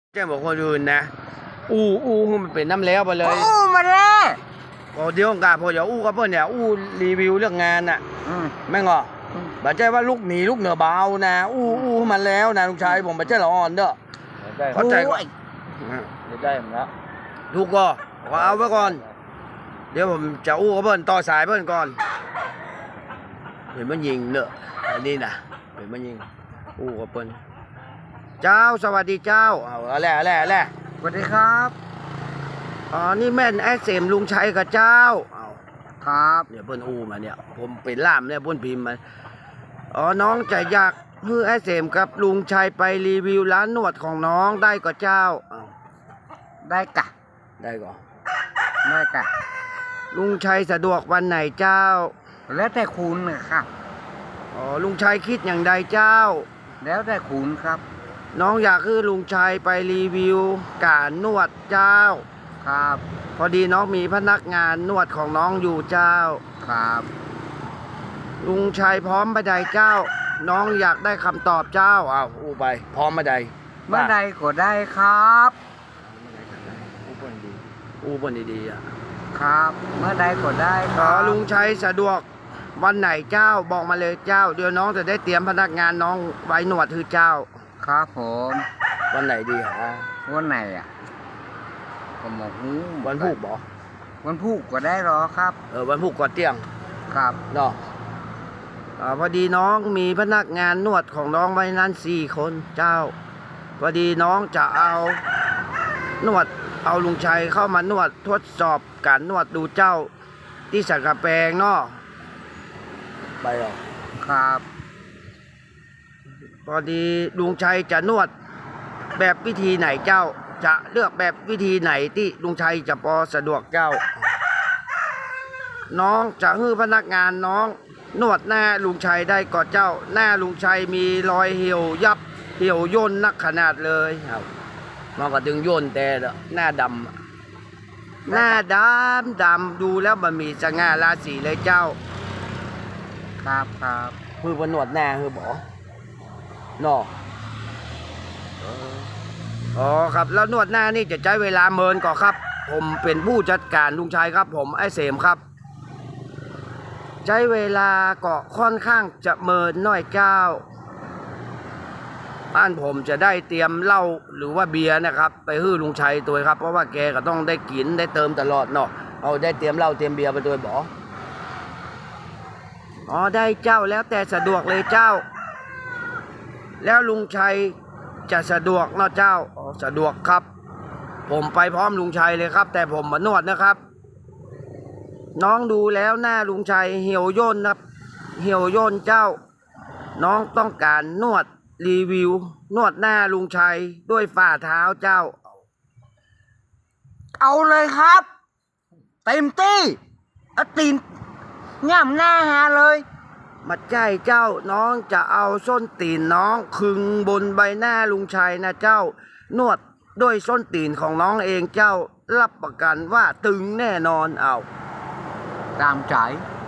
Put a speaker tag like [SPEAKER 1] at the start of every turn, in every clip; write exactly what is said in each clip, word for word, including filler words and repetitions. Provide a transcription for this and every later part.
[SPEAKER 1] แจ้งบอกคนอื่นนะอู้อู้มันเป็นน้ำแล้วไปเลย
[SPEAKER 2] อู้มาแล้ว
[SPEAKER 1] พอเดี๋ยวกาพออย่าอู้กับเพื่อนเนี่ยอู้รีวิวเรื่องงานน่ะแม่งเหรอบัดใจว่าลูกหนีลูกเหนือเบานะอู้อู้มันแล้วนะลุงชายผมบัดใจละอ่อนเด้อเข้าใจก่อน
[SPEAKER 2] ได้หมดแล้ว
[SPEAKER 1] ถูกก็ขอเอาไว้ก่อนเดี๋ยวผมจะอู้กับเพื่อนต่อสายเพื่อนก่อนเห็นมันยิงเนอะอันนี้นะเห็นมันยิงอู้กับเพื่อนเจ้าสวัสดีเจ้าเอาอะไรอะไรอะไร
[SPEAKER 2] สวัสดีครับ
[SPEAKER 1] อ๋อนี่แม่นไอ้เสมลุงชัยกับเจ้าเอา
[SPEAKER 2] ครับ
[SPEAKER 1] เนี่ยเพิ่นอู้มาเนี่ยผมเป็นล่ามเนี่ยเพิ่นพิมพ์มาอ๋อน้องจะอยากเพื่อไอ้เสมกับลุงชัยไปรีวิวร้านนวดของน้องได้กับเจ้าเอา
[SPEAKER 2] ได้กะ
[SPEAKER 1] ได้ก่อน
[SPEAKER 2] ได้กะ
[SPEAKER 1] ลุงชัยสะดวกวันไหนเจ้า
[SPEAKER 2] แล้วแต่คุณนะครับ
[SPEAKER 1] อ๋อลุงชัยคิดอย่างใดเจ้า
[SPEAKER 2] แล้วแต่คุณครับ
[SPEAKER 1] น้องอยากให้ลุงชัยไปรีวิวการนวดเจ้า
[SPEAKER 2] ครับ
[SPEAKER 1] พอดีน้องมีพนักงานนวดของน้องอยู่เจ้า
[SPEAKER 2] ครับ
[SPEAKER 1] ลุงชัยพร้อมมาใดเจ้าน้องอยากได้คำตอบเจ้าอ้าวอู้ไปพร้อมมาใด
[SPEAKER 2] เมื่อใดก็ได้ครับ
[SPEAKER 1] อู้บนดีอู้บนดีๆอ่ะ
[SPEAKER 2] ครับเมื่อใดก็ได้ค
[SPEAKER 1] รั
[SPEAKER 2] บ
[SPEAKER 1] ลุงชัยสะดวกวันไหนเจ้าบอกมาเลยเจ้าเดี๋ยวน้องจะได้เตรียมพนักงานน้องไว้หนวดคือเจ้า
[SPEAKER 2] ครับผม
[SPEAKER 1] วันไหนดีฮะ
[SPEAKER 2] วันไหนอ่ะก็หมกหู
[SPEAKER 1] วันพุธบอ
[SPEAKER 2] วันพุธก็ได้หรอครับ
[SPEAKER 1] เออวันพุธก่อนเที่ยง
[SPEAKER 2] ครับ
[SPEAKER 1] เนาะอ่าพอดีน้องมีพนักงานนวดของน้องไว้นั้นสี่คนเจ้าพอดีน้องจะเอานวดเอาลุงชัยเข้ามานวดทดสอบการนวดดูเจ้าที่สักกะแปงเนาะไปหรอ
[SPEAKER 2] ครับ
[SPEAKER 1] พอดีลุงชัยจะนวดแบบวิธีไหนเจ้าจะเลือกแบบวิธีไหนที่ลุงชัยจะพอสะดวกเจ้าน้องจะให้พนักงานน้องนวดหน้าลุงชัยได้ก่อนเจ้าหน้าลุงชัยมีรอยเหี่ยวยับเหี่ยวย่นนักขนาดเลยครับมันก็ถึงย่นแต่หน้าดำหน้าดำดำดูแล้วมันมีสง่าราศีเลยเจ้า
[SPEAKER 2] ครับครับ
[SPEAKER 1] คือพนวดหน้าคือบอกนออ๋อครับแล้วนวดหน้านี่จะใช้เวลาเมินก่อนครับผมเป็นผู้จัดการลุงชัยครับผมไอ้เสมครับใช้เวลาก็ค่อนข้างจะเมินน้อยเจ้าบ้านผมจะได้เตรียมเหล้าหรือว่าเบียร์นะครับไปฮื้อลุงชัยตัวครับเพราะว่าแกก็ต้องได้กินได้เติมตลอดเนาะเอาได้เตรียมเหล้าเตรียมเบียร์ไปตัวบออ๋อได้เจ้าแล้วแต่สะดวกเลยเจ้าแล้วลุงชัยจะสะดวกเนาะเจ้าอ๋อสะดวกครับผมไปพร้อมลุงชัยเลยครับแต่ผมมานวดนะครับน้องดูแล้วหน้าลุงชัยเหี่ยวย่นครับเหี่ยวย่นเจ้าน้องต้องการนวดรีวิวนวดหน้าลุงชัยด้วยฝ่าเท้าเจ้า
[SPEAKER 2] เอาเลยครับเต็มที่เอาตีนง่ำหน้าหาเลย
[SPEAKER 1] มาใจเจ้าน้องจะเอาส้นตีนน้องคึงบนใบหน้าลุงชัยนะเจ้านวดด้วยส้นตีนของน้องเองเจ้ารับประกันว่าตึงแน่นอนเอา
[SPEAKER 2] ตามใจ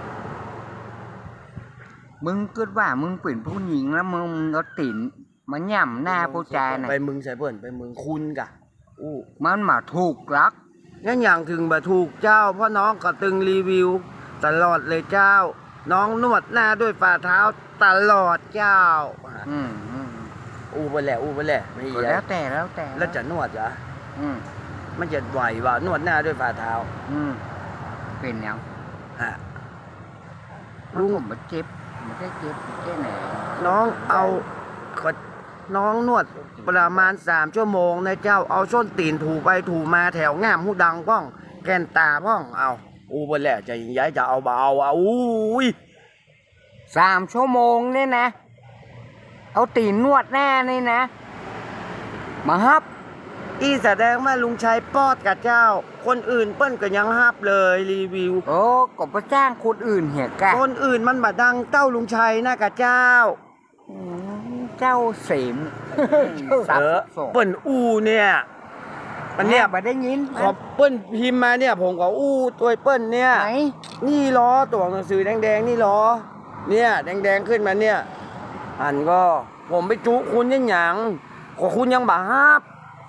[SPEAKER 2] มึงคิดว่ามึงเป็นผู้หญิงแล้วมึงเอาตีนมาย่ำหน้าผู้ชายนะ
[SPEAKER 1] ไปมึงใส่เพื่อนไปมึงคุณกะ
[SPEAKER 2] อู้มันมาถูกลัก
[SPEAKER 1] งั้นอย่างถึงมาถูกเจ้าเพราะน้องก็ตึงรีวิวตลอดเลยเจ้าน้องนวดหน้าด้วยฝ่าเท้าตลอดเจ้า
[SPEAKER 2] อืม
[SPEAKER 1] อู้ไปแหละอู้ไปแหละไม่
[SPEAKER 2] ใช่แล้วแต่แล้วแต่
[SPEAKER 1] แล้วจะนวดเหรอ
[SPEAKER 2] อืม
[SPEAKER 1] มันจะไหวว่านวดหน้าด้วยฝ่าเท้า
[SPEAKER 2] อืมเป็นยัง
[SPEAKER 1] ฮะ
[SPEAKER 2] ลุงผมมาเจ็บไม่ได้เจ็บแค่ไหน
[SPEAKER 1] น้องเอาน้องนวดประมาณสามชั่วโมงนะเจ้าเอาส้นตีนถูไปถูมาแถวง่ามหูดังป้องแกนตาป้องเอาอู้ไปแหละจะย้ายจะเอาเบาเอาอุ้ย
[SPEAKER 2] สามชั่วโมงเนี่ยนะเอาตีนนวดแน่นี่นะมาฮับ
[SPEAKER 1] อีแสดงว่าลุงชัยปอดกับเจ้าคนอื่นเปิ้นก็ยังฮับเลยรีวิว
[SPEAKER 2] โอ้ก็ไปจ้างคนอื่นเหี้ยกะ
[SPEAKER 1] คนอื่นมันมาดังเต้าลุงชัยนะกับเจ้า
[SPEAKER 2] เจ้าเสม
[SPEAKER 1] เออเปิ้นอู้เนี่ยมันเนี่ย
[SPEAKER 2] มาได้ยิน
[SPEAKER 1] ขอเปิ้นพิมพ์มาเนี่ยผมก็อู้ตัวเปิ้นเนี่ย
[SPEAKER 2] ไหน
[SPEAKER 1] นี่ล้อตัวหนังสือแดงๆนี่ล้อเนี่ยแดงๆขึ้นมาเนี่ยอันก็ผมไปจุคุณยังหยังขอคุณยังบ่ฮับ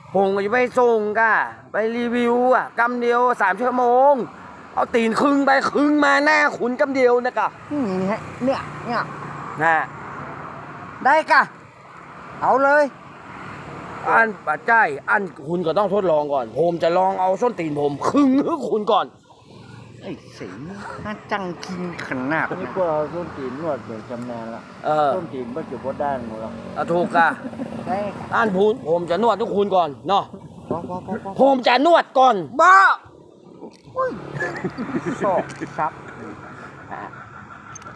[SPEAKER 1] ผมก็จะไปส่งกะไปรีวิวอ่ะกำเดียวสามชั่วโมง เอาตีนครึ่งไปครึ่งมาหน้าขุนกำเดียวนะกะ
[SPEAKER 2] นี่ฮะเนี่ยเนี่ย
[SPEAKER 1] นะ
[SPEAKER 2] ได้กะ เอาเลย
[SPEAKER 1] อันปัจจัยอันคุณก็ต้องทดลองก่อน ผมจะลองเอาส้นตีนผมครึ่งให้คุณก่อน
[SPEAKER 2] ไอ้สิงน่าจังกินขนาด
[SPEAKER 3] นี่
[SPEAKER 2] นี้
[SPEAKER 3] ก็เอาส้นตีนนวดเป็นชำนาญละ
[SPEAKER 1] เออ
[SPEAKER 3] ส้นตีนมันจะพอด้านหมดละ
[SPEAKER 1] เอาถูกกะ
[SPEAKER 2] ได้
[SPEAKER 1] อันพูนผมจะนวดทุกคุณก่อนเนาะ
[SPEAKER 2] พอพอพอพอ
[SPEAKER 1] ผมจะนวดก่อนบ้า
[SPEAKER 2] สอกซับ
[SPEAKER 1] อ่ะ